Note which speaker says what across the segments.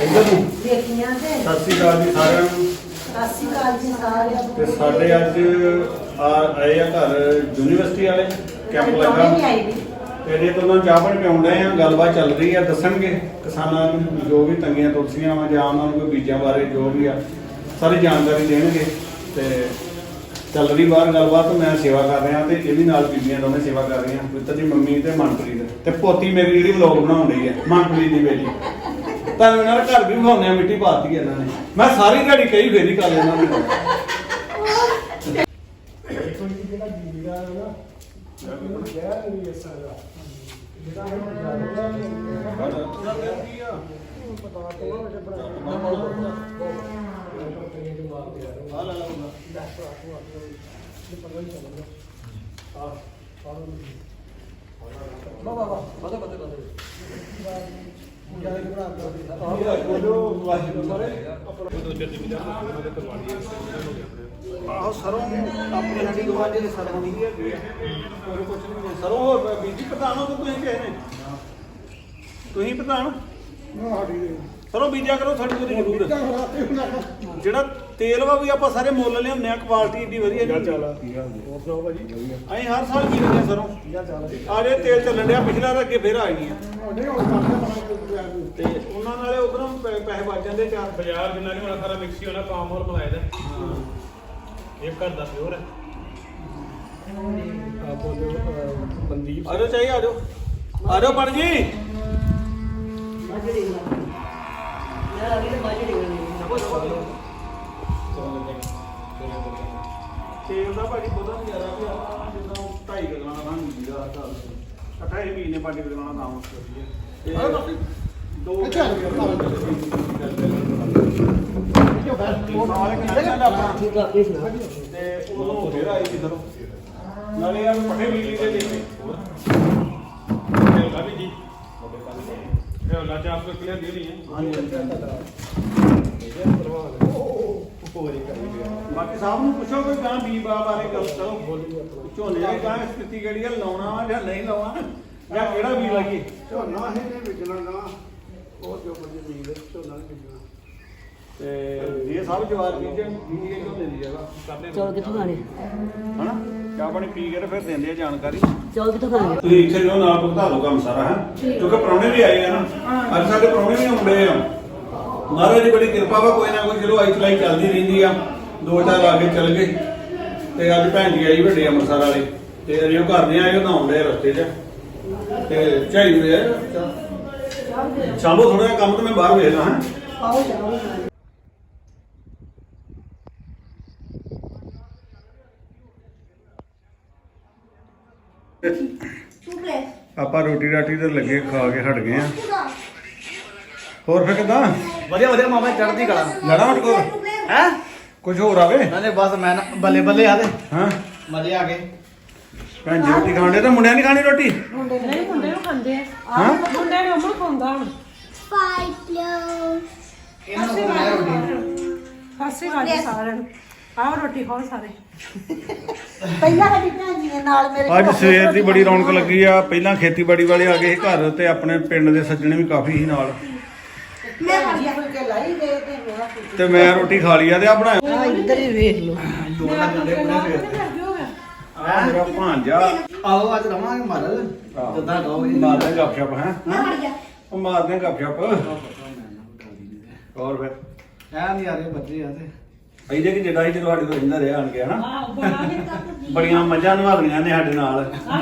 Speaker 1: ਇੱਧਰ ਨੂੰ
Speaker 2: ਦੇਖੀਆਂ ਤੇ
Speaker 1: ਸਤਿ ਸ਼੍ਰੀ ਅਕਾਲ ਜੀ ਸਾਰਿਆਂ ਨੂੰ।
Speaker 2: ਸਤਿ ਸ਼੍ਰੀ ਅਕਾਲ ਜੀ ਸਾਰਿਆਂ ਨੂੰ।
Speaker 1: ਤੇ ਸਾਡੇ ਅੱਜ ਆਏ ਆ ਘਰ ਯੂਨੀਵਰਸਿਟੀ ਵਾਲੇ ਕੈਂਪ
Speaker 2: ਨਹੀਂ
Speaker 1: ਲੱਗਾ
Speaker 2: ਆਈ ਵੀ
Speaker 1: ਤੇ ਜੇ ਤੋਂ ਚਾਹ ਪਾਣੀ ਪਿਆਉਂਦੇ ਆ, ਗੱਲਬਾਤ ਚੱਲ ਰਹੀ ਆ, ਦੱਸਣਗੇ ਕਿਸਾਨਾਂ ਨੂੰ ਜੋ ਵੀ ਤੰਗੀਆਂ ਤੁਲਸੀਆਂ ਵਾ ਜਾਂ ਉਹਨਾਂ ਨੂੰ ਕੋਈ ਬੀਜਾਂ ਬਾਰੇ ਜੋ ਵੀ ਆ ਸਾਰੀ ਜਾਣਕਾਰੀ ਦੇਣਗੇ। ਤੇ ਚੱਲ ਰਹੀ ਬਾਹਰ ਗੱਲਬਾਤ, ਮੈਂ ਸੇਵਾ ਕਰ ਰਿਹਾ ਤੇ ਇਹਦੀ ਨਾਲ ਬੀਬੀਆਂ ਦੋਵੇਂ ਸੇਵਾ ਕਰ ਰਹੀਆਂ, ਪੁੱਤਰ ਦੀ ਮੰਮੀ ਤੇ ਮਨਪ੍ਰੀਤ ਤੇ ਪੋਤੀ ਮੇਰੀ ਜਿਹੜੀ ਵਲੋਗ ਬਣਾਉਣ ਰਹੀ ਹੈ, ਮਨਪ੍ਰੀਤ ਦੀ ਬੇਟੀ। ਤਾਂ ਇਹਨਾਂ ਦਾ ਘਰ ਵੀ ਵਿਖਾਉਂਦੇ ਆ, ਮਿੱਟੀ ਪਾਤੀ ਇਹਨਾਂ ਨੇ। ਮੈਂ ਸਾਰੀ ਦਿਹਾੜੀ ਕਈ ਫੇਰੀ ਕਰ ਲੈਣਾ ਉਹਨਾਂ ਆਹੋ ਸਰੋਂ ਆਪਣੀ ਹੱਡੀ ਗਵਾਂਢੇ ਦੇ ਸਰੋਂ ਦੀ ਹੈਗੀ ਆ, ਹੋਰ ਕੁਛ ਨਹੀਂ। ਸਰੋਂ ਹੋਰ ਬੀਜੀ ਪ੍ਰਧਾਨ ਹੋ ਤੁਸੀਂ ਕਿਸੇ ਨੇ? ਤੁਸੀਂ ਪ੍ਰਧਾਨ ਸਰੋਂ ਬੀਜਿਆ ਕਰੋ, ਸਾਡੀ ਕੋਲ ਜ਼ਰੂਰ। ਜਿਹੜਾ ਤੇਲ ਵਾ ਵੀ ਆਪਾਂ ਸਾਰੇ ਮੁੱਲ ਲਿਆਉਂਦੇ ਆ, ਕੁਆਲਿਟੀ ਏਡੀ ਵਧੀਆ ਨਹੀਂ। ਅਸੀਂ ਹਰ ਸਾਲ ਬੀਜਦੇ ਆ ਸਰੋਂ। ਆ ਜੇ ਤੇਲ ਚੱਲਣ ਡਿਆ ਪਿਛਲਾ, ਅੱਗੇ ਫੇਰ ਆ ਗਈਆਂ ਤੇ ਉਹਨਾਂ ਨਾਲੇ ਉਧਰੋਂ ਪੈਸੇ ਬਚ ਜਾਂਦੇ। ਚਾਰ
Speaker 3: ਬਾਜ਼ਾਰ ਜਿੰਨਾ ਨਹੀਂ ਹੋਣਾ, ਸਾਰਾ ਮਿਕਸੀ ਹੋਣਾ, ਪਾਮ ਔਰ ਮਲਾਇਆ ਦਾ। ਇਹ ਘਰ ਦਾ ਪਿਓਰ ਹੈ।
Speaker 1: ਮਨਦੀਪ ਆਜੋ ਚਾਹੀ ਆਜੋ ਆਜੋ ਪੜ ਜੀ। ਤੇਲ ਦਾ ਭਾਜੀ ਬਹੁਤਾ ਨਹੀਂ ਜ਼ਿਆਦਾ ਵੀ ਆਪਾਂ ਜਿੱਦਾਂ 2.5 ਕਿਲੋ ਦਾ ਬਣ ਜੀਦਾ 28 ਮਹੀਨੇ 5 ਕਿਲੋ ਦਾ ਨਾਮ ਤੇ ਦੋ ਤੇ ਉਹ ਫੇਰ ਆਈ ਸੀ ਸਰੋਂ ਨਾਲੇ ਆ ਪੱਠੇ ਬਿਜਲੀ ਦੇ ਲਈ
Speaker 3: ਇਹ ਲਾ ਵੀ ਜੀ ਇਹ ਲਾ ਚਾਪ ਕੋ ਕਲੀਅਰ ਦੇ ਨਹੀਂ ਹੈ।
Speaker 1: ਬਾਕੀ ਸਾਹਿਬ ਨੂੰ ਪੁੱਛੋ ਕੋਈ ਗਾਂ ਬੀ ਬਾਰੇ ਗੱਲ ਕਰੋ। ਝੋਨੇ ਦੀ ਗਾਂ ਸਥਿਤੀ ਕਿਹੜੀ ਹੈ, ਲਾਉਣਾ ਵਾ ਜਾਂ ਨਹੀਂ ਲਾਉਣਾ, ਜਾਂ ਕਿਹੜਾ ਬੀ ਲਾਈਏ?
Speaker 4: ਝੋਨਾ ਹੀ ਨਹੀਂ ਵਿਕਣਾ ਨਾ, ਉਹ ਜੋ ਬੜੀ ਬੀਜ ਝੋਨਾ ਨਹੀਂ ਵਿਕਣਾ।
Speaker 1: ਤੇ ਇਹ ਸਭ ਜਵਾਰ ਬੀਜੇ ਬੀਜ ਕੇ ਝੋਨੇ ਦੀ ਜਗ੍ਹਾ ਕਰਦੇ
Speaker 2: ਚੌਲ ਕਿੱਥੋਂ ਖਾਣੇ?
Speaker 1: ਹਨਾ ਚਾਹ ਪਾਣੀ ਪੀ ਕੇ ਤੇ ਫਿਰ ਦਿੰਦੇ ਆ ਜਾਣਕਾਰੀ।
Speaker 2: ਚੌਲ ਕਿੱਥੋਂ ਖਾਣੇ?
Speaker 1: ਤੁਸੀਂ ਇੱਥੇ ਜੋ ਨਾਲ ਭੁਗਤਾ ਲਓ ਕੰਮ ਸਾਰਾ ਹੈ, ਕਿਉਂਕਿ ਪ੍ਰਾਹੁਣੇ ਵੀ ਆਏ ਆ ਨਾ। ਅੱਜ ਸਾਡੇ ਪ੍ਰਾਹੁਣੇ ਵੀ ਆਉਂਦੇ ਆ। ਮਹਾਰਾਜ ਦੀ ਬੜੀ ਕਿਰਪਾ ਵਾ, ਕੋਈ ਨਾ ਕੋਈ ਚਲੋ ਆਈ ਚਲਾਈ ਚੱਲਦੀ ਰਹਿੰਦੀ ਆ। 2-4 ਲਾ ਕੇ ਚੱਲ ਗਏ ਤੇ ਅੱਜ ਭੈਣ ਜੀ ਆਈ ਵੱਡੇ ਅੰਮ੍ਰਿਤਸਰ ਵਾਲੇ ਤੇ ਅਜੇ ਉਹ ਘਰ ਨਹੀਂ ਆਏ, ਉਹ ਨਹਾਉਣ ਦੇ ਰਸਤੇ 'ਚ ਤੇ ਝਾਈ ਹੋਏ ਆ। ਚਲੋ ਥੋੜਾ ਜਿਹਾ ਕੰਮ ਤੇ ਮੈਂ ਬਾਹਰ ਵੇਖਦਾ ਹਾਂ।
Speaker 2: ਆਓ ਜਾਓ।
Speaker 1: ਆਪਾਂ ਰੋਟੀ ਰਾਟੀ ਤੇ ਲੱਗੇ ਖਾ ਕੇ ਹਟ ਗਏ ਆ। ਹੋਰ ਫਿਰ ਕਿਦਾਂ?
Speaker 4: ਵਧੀਆ ਵਧੀਆ ਮਾਮਾ ਚੜ੍ਹਦੀ ਕਲਾ।
Speaker 1: ਲੜਾ ਹਟ ਕੋ
Speaker 4: ਹੈ
Speaker 1: ਕੁਝ ਹੋਰ ਆਵੇ?
Speaker 4: ਨਾਲੇ ਬਸ ਮੈਂ ਨਾ ਬੱਲੇ ਬੱਲੇ ਆ ਤੇ
Speaker 1: ਹਾਂ
Speaker 4: ਮਜ਼ੇ ਆ ਗਏ।
Speaker 1: ਭੈਣ ਜੀ ਰੋਟੀ ਖਾਣ ਦੇ ਤਾਂ ਮੁੰਡਿਆਂ ਨਹੀਂ ਖਾਣੀ ਰੋਟੀ?
Speaker 5: ਮੁੰਡੇ ਨੂੰ ਖਾਂਦੇ ਆ।
Speaker 1: ਹਾਂ
Speaker 5: ਮੁੰਡੇ ਨੂੰ ਅਮਨ ਖਾਂਦਾ ਹੁਣ।
Speaker 4: ਇਹਨਾਂ ਨੂੰ ਮੈਂ ਰੋਟੀ
Speaker 5: ਖਾਸੇ ਵਾਜੀ ਸਾਰਿਆਂ ਨੂੰ। ਆਓ ਰੋਟੀ ਖਾਓ ਸਾਰੇ।
Speaker 2: ਪਹਿਲਾਂ ਸਾਡੀ ਭੈਣ ਜੀ ਦੇ ਨਾਲ ਮੇਰੇ
Speaker 1: ਅੱਜ ਸਵੇਰ ਦੀ ਬੜੀ ਰੌਣਕ ਲੱਗੀ ਆ। ਪਹਿਲਾਂ ਖੇਤੀਬਾੜੀ ਵਾਲੇ ਆ ਗਏ ਘਰ ਤੇ ਆਪਣੇ ਪਿੰਡ ਦੇ ਸੱਜਣੇ ਵੀ ਕਾਫੀ ਸੀ ਨਾਲ।
Speaker 2: ਮੈਂ ਵਧੀਆ ਫੁਲਕੇ ਲਾਈ ਗਏ ਤੇ ਮੇਰਾ ਫੁਲਕੇ
Speaker 1: ਤੇ ਮੈਂ ਰੋਟੀ ਖਾ ਲਈ ਆ ਤੇ ਆ ਬਣਾਇਆ
Speaker 2: ਆ ਇੱਧਰ ਹੀ ਵੇਖ ਲਓ।
Speaker 4: ਜੋਰ ਲੱਗਦੇ ਪੂਰੇ ਫੇਰ ਤੇ
Speaker 5: ਹੋ ਗਿਆ।
Speaker 1: ਆ ਮੇਰਾ ਭਾਂਜਾ।
Speaker 4: ਆਓ ਅੱਜ ਰਵਾਂਗੇ ਮਰਲ ਜਿੱਦਾਂ ਕਹੋਗੇ।
Speaker 1: ਮਾਰਦੇ ਗੱਪਸ਼ਪ ਹੈ। ਉਹ ਮਾਰਦੇ ਗੱਪਸ਼ਪ। ਹੋਰ ਫਿਰ
Speaker 4: ਐ ਨਹੀਂ ਆ ਰਹੇ ਬੱਚੇ ਆ ਤੇ
Speaker 1: ਇਹਦੇ ਕਿ ਜਿਹੜਾ ਹੀ ਜਦੋਂ ਸਾਡੇ ਕੋਲ ਰਹਿੰਦਾ ਰਿਹਾ ਆਣ ਕੇ ਹਨਾ,
Speaker 5: ਆਹ ਬਣਾ
Speaker 1: ਬੜੀਆਂ ਮੱਝਾਂ ਨਵਾਲੀਆਂ ਨੇ ਸਾਡੇ ਨਾਲ।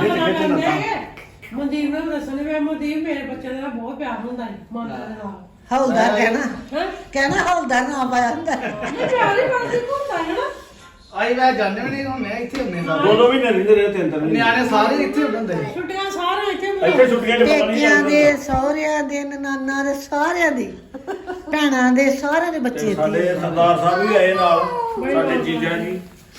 Speaker 5: ਮਨਦੀਪ ਨੂੰ ਦੱਸਣੇ ਵੇ ਮਨਦੀਪ ਮੇਰੇ ਬੱਚਿਆਂ ਦੇ ਨਾਲ ਬਹੁਤ ਪਿਆਰ ਹੁੰਦਾ ਹੈ ਮਨ ਦੇ ਨਾਲ।
Speaker 2: ਹੌਲਦਾਰ ਕਹਿਣਾ
Speaker 5: ਹਾਂ
Speaker 2: ਕਹਿਣਾ ਹੌਲਦਾਰ ਨਾ ਪਾਇਆ ਹੁੰਦਾ।
Speaker 5: ਇਹ ਪਿਆਰ ਹੀ ਬਸ ਹੁੰਦਾ ਹੈ ਨਾ।
Speaker 4: ਆਈ ਮੈਂ ਜਾਣਦੇ ਵੀ ਨਹੀਂ ਹੁੰਦੇ ਇੱਥੇ ਹੁੰਦੇ ਸਾਰੇ।
Speaker 1: ਦੋ ਵੀ ਨਹੀਂ ਰਹਿੰਦੇ ਰਹੇ, ਤਿੰਨ ਤਿੰਨ
Speaker 4: ਨਿਆਣੇ ਸਾਰੇ ਇੱਥੇ ਹੁੰਦੇ।
Speaker 5: ਛੁੱਟੀਆਂ ਸਾਰੇ ਇੱਥੇ
Speaker 1: ਇੱਥੇ ਛੁੱਟੀਆਂ 'ਚ ਪਤਾ ਨਹੀਂ
Speaker 2: ਪੇਕਿਆਂ ਦੇ ਸਹੁਰਿਆਂ ਦੇ ਨਨਾਨਾ ਦੇ ਸਾਰਿਆਂ ਦੀ ਭੈਣਾਂ ਦੇ ਸਾਰਿਆਂ ਦੇ ਬੱਚੇ
Speaker 1: ਸਾਡੇ ਸਰਦਾਰ ਸਾਹਿਬ ਵੀ ਆਏ ਨਾਲ, ਸਾਡੇ ਜੀਜਾ ਜੀ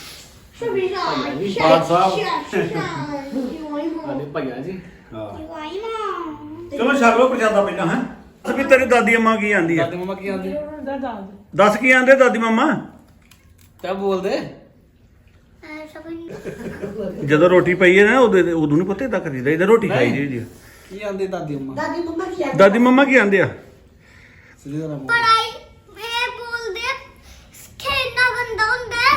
Speaker 1: ਬਾਦ ਸਾਹਿਬ।
Speaker 4: ਸਾਡੇ ਭਈਆ ਜੀ
Speaker 1: ਹਾਂ ਚਲੋ ਛਕ ਲਓ ਪ੍ਰਸ਼ਾਦਾ ਪਹਿਲਾਂ ਹੈ। ਵੀ ਤੇਰੀ ਦਾਦੀ ਅੰਮਾ ਕੀ ਆਂਦੀ ਆ?
Speaker 4: ਦਾਦੀ ਮਮਾ ਕੀ ਆਂਦੇ?
Speaker 1: ਦੱਸ ਕੀ ਆਂਦੇ ਦਾਦੀ ਮੰਮਾ?
Speaker 4: ਕਿਆ ਬੋਲਦੇ?
Speaker 1: ਜਦੋਂ ਰੋਟੀ ਪਈ ਹੈ ਨਾ ਉਦੋਂ ਨਹੀਂ ਪੁੱਤੇ ਤੱਕ ਕਰੀਦਾ, ਇਹਦਾ ਰੋਟੀ ਖਾਈ ਜੀ।
Speaker 4: ਕੀ ਆਂਦੇ ਦਾਦੀ ਮਮਾ?
Speaker 2: ਦਾਦੀ ਮੰਮਾ ਕੀ ਆ?
Speaker 1: ਦਾਦੀ ਮੰਮਾ ਕੀ ਆਂਦੇ ਆ?
Speaker 6: ਪੜਾਈ ਇਹ ਬੋਲਦੇ ਖੇਡਣਾ ਗੰਦਾ ਹੁੰਦਾ ਹੈ।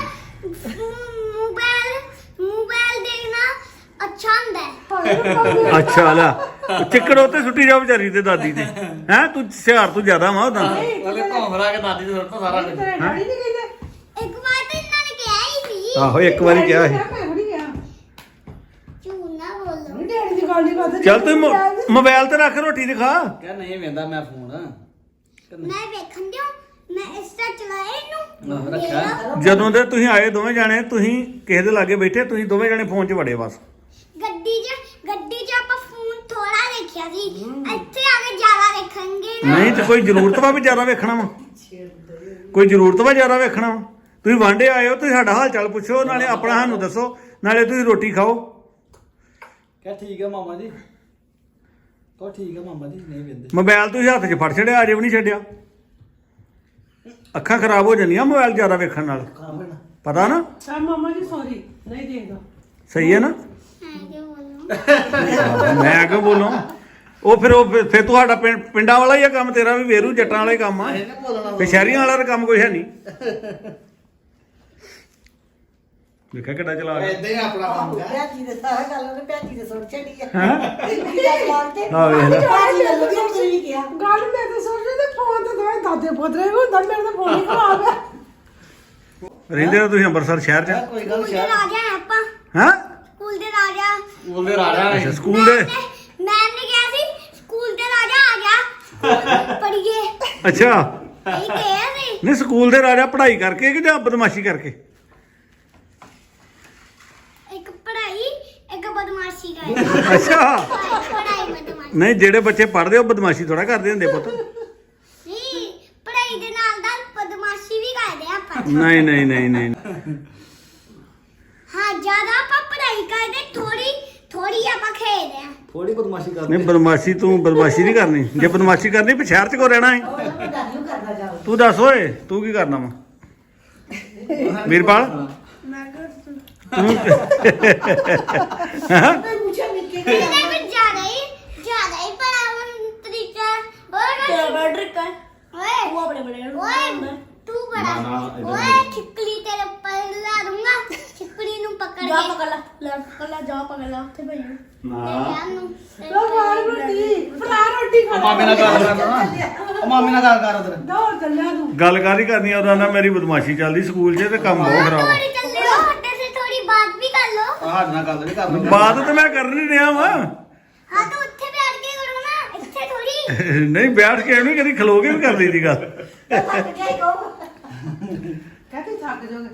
Speaker 6: ਮੋਬਾਈਲ ਦੇਖਣਾ ਅੱਛਾ ਹੁੰਦਾ ਹੈ।
Speaker 1: ਅੱਛਾ ਲੈ ਚਿੱਕੜ ਉੱਤੇ ਸੁੱਟੀ ਜਾ ਵਿਚਾਰੀ ਤੇ ਦਾਦੀ ਤੇ ਹੈ ਤੂੰ ਸਿਆਰ ਤੂੰ ਜ਼ਿਆਦਾ ਵਾ ਉਹਦਾ
Speaker 5: ਤੇਰੇ ਡੈਡੀ ਨਹੀਂ ਕਹਿੰਦੇ
Speaker 6: ਇੱਕ ਵਾਰ ਤਾਂ ਇਹਨਾਂ ਨੇ ਕਿਹਾ ਹੀ ਸੀ
Speaker 1: ਆਹੋ ਇੱਕ ਵਾਰੀ ਕਿਹਾ ਸੀ
Speaker 5: ਮੈਂ ਥੋੜੀ ਕਿਹਾ
Speaker 6: ਝੂਠ ਨਾ ਬੋਲੋ।
Speaker 5: ਡੈਡੀ ਦੀ ਗੱਲ ਨਹੀਂ ਕਰਦੇ
Speaker 1: ਚੱਲ ਤੂੰ ਮੋਬਾਈਲ ਤੇ ਰੱਖ ਰੋਟੀ ਤੇ ਖਾ
Speaker 7: ਕਿਆ ਨਹੀਂ ਵੇਂਦਾ ਮੈਂ ਫੋਨ
Speaker 6: ਮੈਂ ਵੇਖਣ ਦਿਓ ਮੈਂ ਇਸ ਤਰ੍ਹਾਂ ਚਲਾਇਆ ਇਹਨੂੰ
Speaker 7: ਆਹੋ, ਰੱਖਿਆ।
Speaker 6: ਮੇਰਾ
Speaker 1: ਜਦੋਂ ਦੇ ਤੁਸੀਂ ਆਏ ਦੋਵੇਂ ਜਾਣੇ ਤੁਸੀਂ ਕਿਸੇ ਦੇ ਲਾਗੇ ਬੈਠੇ ਤੁਸੀਂ ਦੋਵੇਂ ਜਾਣੇ ਫੋਨ 'ਚ ਵੜੇ ਬਸ
Speaker 6: ਗੱਡੀ 'ਚ ਆਪਾਂ ਫੋਨ ਥੋੜਾ ਦੇਖਿਆ ਸੀ ਇੱਥੇ ਆ ਕੇ ਜ਼ਿਆਦਾ ਦੇਖਣਗੇ ਨਾ।
Speaker 1: ਨਹੀਂ ਤੇ ਕੋਈ ਜ਼ਰੂਰਤ ਵਾ ਵੀ ਜ਼ਿਆਦਾ ਵੇਖਣਾ ਵਾ ਕੋਈ ਜ਼ਰੂਰਤ ਵਾ ਜ਼ਿਆਦਾ ਵੇਖਣਾ ਵਾ ਤੁਸੀਂ ਵਾਂਡੇ ਆਏ ਹੋ ਤੁਸੀਂ ਸਾਡਾ ਹਾਲ ਚਾਲ ਪੁੱਛੋ ਨਾਲੇ ਆਪਣਾ ਸਾਨੂੰ ਦੱਸੋ ਨਾਲੇ ਤੁਸੀਂ ਰੋਟੀ ਖਾਓ
Speaker 7: ਕਿਆ ਠੀਕ ਹੈ ਮਾਮਾ ਜੀ ਕੋ ਠੀਕ ਹੈ ਮਾਮਾ ਜੀ ਨਹੀਂ ਵੇਂਦੇ
Speaker 1: ਮੋਬਾਈਲ ਤੁਸੀਂ ਹੱਥ 'ਚ ਫੜ ਛੜਿਆ ਅਜੇ ਵੀ ਨਹੀਂ ਛੱਡਿਆ ਅੱਖਾਂ ਖਰਾਬ ਹੋ ਜਾਂਦੀਆਂ ਮੋਬਾਈਲ ਜ਼ਿਆਦਾ ਵੇਖਣ ਨਾਲ ਪਤਾ ਨਾ
Speaker 5: ਆ ਮਾਮਾ ਜੀ ਸੌਰੀ ਨਹੀਂ ਦੇਖਦਾ
Speaker 1: ਸਹੀ ਹੈ ਨਾ
Speaker 6: ਮੈਂ ਕਿਉਂ ਬੋਲੂੰ
Speaker 1: ਮੈਂ ਕਿਉਂ ਬੋਲਾਂ ਉਹ ਫਿਰ ਤੁਹਾਡਾ ਪਿੰਡਾਂ ਵਾਲਾ ਹੀ ਆ ਕੰਮ ਤੇਰਾ ਵੀ ਵੇਰੂ ਜੱਟਾਂ ਵਾਲਾ ਹੀ ਕੰਮ ਆ ਤੇ ਸ਼ਹਿਰੀਆਂ ਵਾਲਾ ਤਾਂ ਕੰਮ ਕੋਈ ਹੈ ਨਹੀਂ ਦੇਖਿਆ ਕਿੱਡਾ ਚਲਾ ਗਿਆ
Speaker 7: ਇਦਾਂ ਹੀ ਆਪਣਾ ਕੰਮ ਹੈ
Speaker 2: ਭੈਜੀ ਦੇ ਸਾਰਾ ਗੱਲ ਉਹਨੇ ਭੈਜੀ ਦੇ ਸੁਣ ਛੱਡੀ ਆ
Speaker 1: ਹੈਂ?
Speaker 2: ਆ
Speaker 1: ਵੇਖ ਲੈ
Speaker 2: ਭੈਜੀ ਨੇ ਵਧੀਆ ਕਰੀ ਕਿਹਾ
Speaker 5: ਗੱਲ ਮੈਂ ਤਾਂ ਸੋਚ ਰਹੀ ਤੇ ਫੋਨ ਤੇ ਦੋਵੇਂ ਦਾਦੇ ਪੋਤਰੇ ਵੀ ਹੁੰਦਾ ਮੇਰੇ ਤਾਂ ਫੋਨ ਹੀ ਖਰਾਬ ਹੈ
Speaker 1: ਰਹਿੰਦੇ ਹੋ ਤੁਸੀਂ ਅੰਮ੍ਰਿਤਸਰ ਸ਼ਹਿਰ 'ਚ
Speaker 7: ਕੋਈ ਗੱਲ
Speaker 6: ਸਕੂਲ ਦੇ
Speaker 7: ਸ਼ਹਿਰ
Speaker 6: ਰਾਜਾ ਹੈ ਆਪਾਂ
Speaker 1: ਹਾਂ
Speaker 6: ਸਕੂਲ ਦੇ ਰਾਜਾ
Speaker 7: ਬੋਲਦੇ ਰਾਜਾ
Speaker 1: ਅੱਛਾ ਸਕੂਲ ਦੇ
Speaker 6: ਮੈਮ ਨੇ ਕਿਹਾ ਸੀ ਸਕੂਲ ਦੇ ਰਾਜਾ ਆ ਗਿਆ ਪੜੀਏ
Speaker 1: ਅੱਛਾ
Speaker 6: ਇਹ ਕਿਹਾ ਸੀ
Speaker 1: ਨਹੀਂ ਸਕੂਲ ਦੇ ਰਾਜਾ ਪੜ੍ਹਾਈ ਕਰਕੇ ਕਿ ਜਾਂ ਬਦਮਾਸ਼ੀ ਕਰਕੇ
Speaker 6: ਇੱਕ ਪੜਾਈ ਇੱਕ ਬਦਮਾਸ਼ੀ ਕਰ
Speaker 1: ਅੱਛਾ
Speaker 6: ਪੜਾਈ ਬਦਮਾਸ਼ੀ
Speaker 1: ਨਹੀਂ ਜਿਹੜੇ ਬੱਚੇ ਪੜ੍ਹਦੇ ਉਹ ਬਦਮਾਸ਼ੀ ਥੋੜਾ ਕਰਦੇ ਹੁੰਦੇ ਪੁੱਤ
Speaker 6: ਨਹੀਂ ਪੜਾਈ ਦੇ ਨਾਲ ਬਦਮਾਸ਼ੀ ਵੀ ਕਰਦੇ ਆਪਾਂ
Speaker 1: ਨਹੀਂ ਨਹੀਂ ਨਹੀਂ ਨਹੀਂ
Speaker 6: ਹਾਂ ਜ਼ਿਆਦਾ ਆਪਾਂ ਪੜਾਈ ਕਰਦੇ ਥੋੜੀ ਆਪਾਂ ਖੇਡਦੇ ਆ
Speaker 7: ਥੋੜੀ ਬਦਮਾਸ਼ੀ ਕਰਦੇ
Speaker 1: ਨਹੀਂ ਬਦਮਾਸ਼ੀ ਤੂੰ ਬਦਮਾਸ਼ੀ ਨਹੀਂ ਕਰਨੀ ਜੇ ਬਦਮਾਸ਼ੀ ਕਰਨੀ ਫਿਰ ਸ਼ਹਿਰ 'ਚ ਕੋ ਰਹਿਣਾ ਹੈ ਤੂੰ ਦੱਸ ਓਏ ਤੂੰ ਕੀ ਕਰਨਾ ਵਾ ਵੀਰਪਾਲ
Speaker 6: ਮੈਂ ਕਰ
Speaker 1: ਤੂੰ
Speaker 2: ਮੈਂ ਪੁੱਛਿਆ ਨਿੱਕੇ
Speaker 6: ਇਹਨੇ ਵੀ ਜ਼ਿਆਦਾ ਹੀ ਪੜਾਉਣ ਤਰੀਕਾ ਓਏ ਡਰ ਓਏ ਉਹ ਆਪਣੇ ਬੜੇ ਓਏ ਤੂੰ ਬੜਾ ਓਏ ਖਿੱਕਲੀ ਤੇਰੇ ਉੱਪਰ ਲਾ ਦੂੰਗਾ ਖਿੱਕਲੀ ਨੂੰ ਪਕੜ
Speaker 8: ਜਾ
Speaker 6: ਕੇ
Speaker 8: ਪਕੜ ਲੈ ਜਾ ਪਕੜ ਲੈ ਉੱਥੇ ਭਈ
Speaker 5: ਲੋ ਮਾਰ ਰੋਟੀ ਫੜਾ ਰੋਟੀ ਖਾ
Speaker 7: ਮਾਮੇ ਨਾਲ ਗੱਲ ਕਰ ਨਾ ਉਹ ਮਾਮੇ ਨਾਲ ਗੱਲ ਕਰ ਉਧਰ
Speaker 5: ਦੌੜ ਚੱਲਿਆ ਤੂੰ
Speaker 1: ਗੱਲ ਕਾਹਦੀ ਕਰਨੀ ਆ ਉਹਦਾ ਨਾਲ ਮੇਰੀ ਬਦਮਾਸ਼ੀ ਚੱਲਦੀ ਸਕੂਲ 'ਚ ਤੇ ਕੰਮ ਬਹੁਤ ਖਰਾਬ ਆ
Speaker 6: ਥੋੜੀ ਚੱਲੇ ਹੋ ਹੱਟੇ ਸੇ ਥੋੜੀ ਬਾਤ ਵੀ ਕਰ ਲੋ
Speaker 7: ਸਾਡੇ ਨਾਲ ਗੱਲ ਨਹੀਂ ਕਰਨੀ
Speaker 1: ਬਾਤ ਤੇ ਮੈਂ ਕਰ ਨਹੀਂ ਰਿਹਾ ਵਾ
Speaker 6: ਹਾਂ ਤਾਂ ਉੱਥੇ ਬੈਠ ਕੇ ਕਰੋ ਨਾ ਇੱਥੇ ਥੋੜੀ
Speaker 1: ਨਹੀਂ ਬੈਠ ਕੇ ਐਵੇਂ ਕਦੀ ਖਲੋ ਕੇ ਵੀ ਕਰ ਲਈ ਦੀ ਗੱਲ
Speaker 5: ਕਹਤੇ ਥੱਕ ਜਾਓਗੇ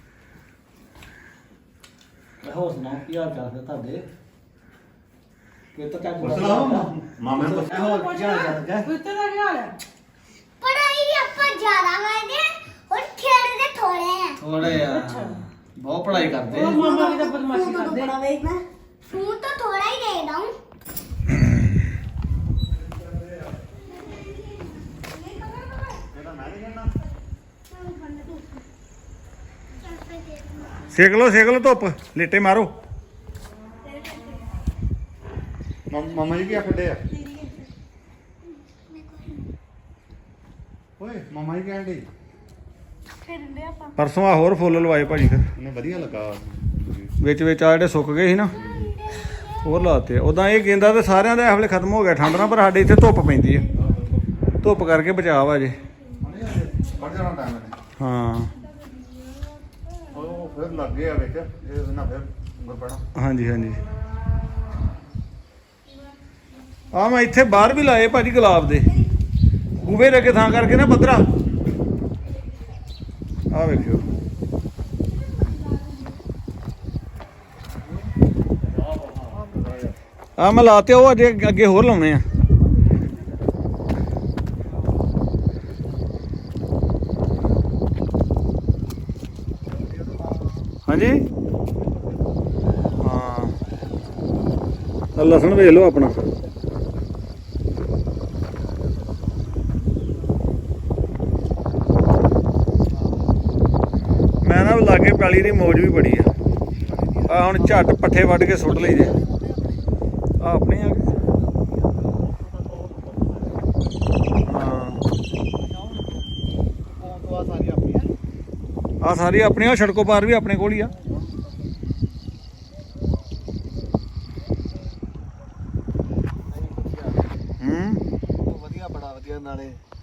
Speaker 7: ਹੋਰ ਸੁਣਾਓ ਕੀ ਹਾਲ ਚਾਲ ਹੈ ਤੁਹਾਡੇ ਕਿ ਤਾਂ ਚੱਕ
Speaker 1: ਮਾਮੇ ਨੂੰ
Speaker 7: ਹੋਰ ਕੀ ਹਾਲ ਚਾਲ ਹੈ
Speaker 5: ਕੁੱਤੇ ਦਾ ਕੀ ਹਾਲ ਹੈ
Speaker 6: ਪੜਾਈ ਵੀ ਆਪਾਂ ਜ਼ਿਆਦਾ ਕਰਦੇ ਆ ਔਰ ਖੇਡਦੇ ਥੋੜੇ ਆ
Speaker 7: ਥੋੜੇ ਆ ਬਹੁਤ ਪੜਾਈ ਕਰਦੇ
Speaker 5: ਉਹ ਮਾਮਾ ਵੀ ਤਾਂ ਬਦਮਾਸ਼ੀ ਕਰਦੇ
Speaker 6: ਫੋਨ ਤਾਂ ਥੋੜਾ ਹੀ ਦੇਖਦਾ ਹੂੰ
Speaker 1: ਸੇਕ ਲੋ ਧੁੱਪ ਲੇਟੇ ਮਾਰੋ
Speaker 4: ਮਾਮਾ ਜੀ ਕੀ ਆਖਦੇ ਆ ਓਏ ਮਾਮਾ ਜੀ ਕਹਿਣ ਦੇ
Speaker 1: ਪਰਸੋਂ ਆ ਹੋਰ ਫੁੱਲ ਲਵਾਏ ਭਾਜੀ ਫਿਰ
Speaker 4: ਉਹਨੇ ਵਧੀਆ ਲੱਗਾ
Speaker 1: ਵਿੱਚ ਆ ਜਿਹੜੇ ਸੁੱਕ ਗਏ ਸੀ ਨਾ ਹੋਰ ਲਾਤੇ ਉਦਾਂ ਇਹ ਗੇਂਦਾ ਤੇ ਸਾਰਿਆਂ ਦਾ ਇਹ ਵੇਲੇ ਖਤਮ ਹੋ ਗਿਆ ਠੰਡ ਨਾਲ ਪਰ ਸਾਡੇ ਇੱਥੇ ਧੁੱਪ ਪੈਂਦੀ ਆ ਧੁੱਪ ਕਰਕੇ ਬਚਾਅ ਵਾ ਜੇ
Speaker 4: ਪੜ ਜਾਣਾ ਟਾਈਮ ਨੇ
Speaker 1: ਹਾਂ
Speaker 4: ਉਹ ਫਿਰ ਲੱਗ ਗਿਆ ਵਿੱਚ ਇਹ ਨਾ ਫਿਰ ਗੁਰਪੜਾ
Speaker 1: ਹਾਂਜੀ ਹਾਂਜੀ ਆ ਮੈਂ ਇੱਥੇ ਬਾਹਰ ਵੀ ਲਾਏ ਭਾਜੀ ਗੁਲਾਬ ਦੇ ਬੂਵੇ ਦੇ ਅੱਗੇ ਥਾਂ ਕਰਕੇ ਨਾ ਪੱਧਰਾ ਆ ਵੇਖਿਓ ਆ ਮੈਂ ਲਾਤੇ ਉਹ ਅਜੇ ਅੱਗੇ ਹੋਰ ਲਾਉਣੇ ਆ ਹਾਂਜੀ ਹਾਂ ਲਸਣ ਵੇਖ ਲਓ ਆਪਣਾ ਮੈਂ ਨਾ ਲਾਗੇ ਪੈਲੀ ਦੀ ਮੌਜ ਵੀ ਬੜੀ ਆ ਆ ਹੁਣ ਝੱਟ ਪੱਠੇ ਵੱਢ ਕੇ ਸੁੱਟ ਲਈ ਜੇ ਆ ਆਪਣੇ ਆ ਗਏ ਹਾਂ
Speaker 7: ਉਹ ਆ ਸਾਰੀ ਆਪਣੀ ਹੈ
Speaker 1: ਆ ਸਾਰੀ ਆਪਣੀ ਸੜਕੋ ਪਾਰ ਵੀ ਆਪਣੇ ਕੋਲ ਹੀ ਆ
Speaker 7: ਵਧੀਆ ਬੜਾ ਵਧੀਆ ਨਾਲੇ